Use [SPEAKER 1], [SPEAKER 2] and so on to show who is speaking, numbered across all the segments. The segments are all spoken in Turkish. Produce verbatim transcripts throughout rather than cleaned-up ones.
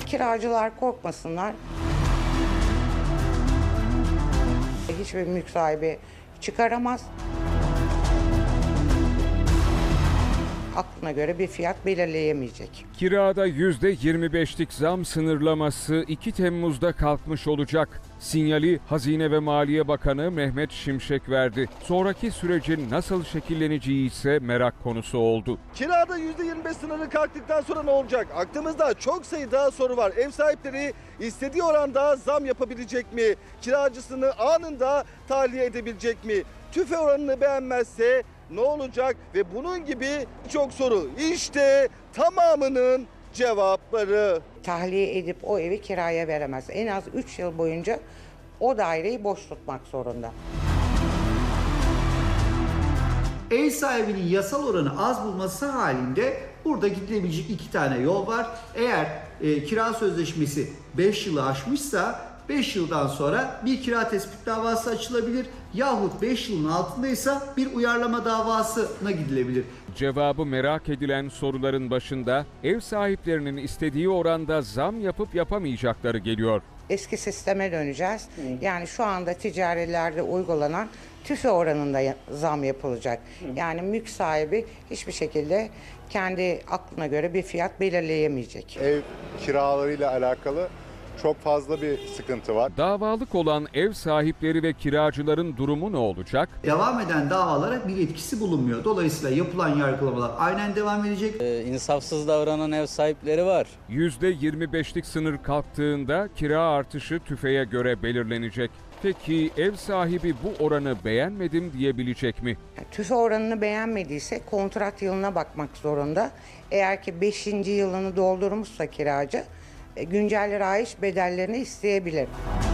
[SPEAKER 1] Kiracılar korkmasınlar. Hiçbir mülk sahibi çıkaramaz. Aklına göre bir fiyat belirleyemeyecek.
[SPEAKER 2] Kirada yüzde yirmi beşlik zam sınırlaması iki Temmuz'da kalkmış olacak. Sinyali Hazine ve Maliye Bakanı Mehmet Şimşek verdi. Sonraki sürecin nasıl şekilleneceği ise merak konusu oldu.
[SPEAKER 3] Kirada yüzde yirmi beş sınırı kalktıktan sonra ne olacak? Aklımızda çok sayıda soru var. Ev sahipleri istediği oranda zam yapabilecek mi? Kiracısını anında tahliye edebilecek mi? Tüfe oranını beğenmezse ne olacak? Ve bunun gibi çok soru. İşte tamamının cevapları.
[SPEAKER 1] Tahliye edip o evi kiraya veremez. En az üç yıl boyunca o daireyi boş tutmak zorunda.
[SPEAKER 4] Ev sahibinin yasal oranı az bulması halinde burada gidilebilecek iki tane yol var. Eğer e, kira sözleşmesi beş yılı aşmışsa beş yıldan sonra bir kira tespit davası açılabilir yahut beş yılın altındaysa bir uyarlama davasına gidilebilir.
[SPEAKER 2] Cevabı merak edilen soruların başında ev sahiplerinin istediği oranda zam yapıp yapamayacakları geliyor.
[SPEAKER 1] Eski sisteme döneceğiz. Yani şu anda ticarilerde uygulanan tüfe oranında zam yapılacak. Yani mülk sahibi hiçbir şekilde kendi aklına göre bir fiyat belirleyemeyecek.
[SPEAKER 5] Ev kiralarıyla alakalı çok fazla bir sıkıntı var.
[SPEAKER 2] Davalık olan ev sahipleri ve kiracıların durumu ne olacak?
[SPEAKER 4] Devam eden davalara bir etkisi bulunmuyor. Dolayısıyla yapılan yargılamalar aynen devam edecek.
[SPEAKER 6] Ee, insafsız davranan ev sahipleri var.
[SPEAKER 2] yüzde yirmi beşlik sınır kalktığında kira artışı tüfeğe göre belirlenecek. Peki ev sahibi bu oranı beğenmedim diyebilecek mi?
[SPEAKER 1] Yani tüfe oranını beğenmediyse kontrat yılına bakmak zorunda. Eğer ki beşinci yılını doldurmuşsa kiracı güncel rayiç bedellerini isteyebilir.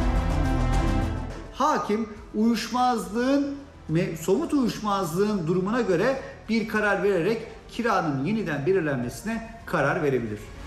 [SPEAKER 4] Hakim uyuşmazlığın, somut uyuşmazlığın durumuna göre bir karar vererek kiranın yeniden belirlenmesine karar verebilir.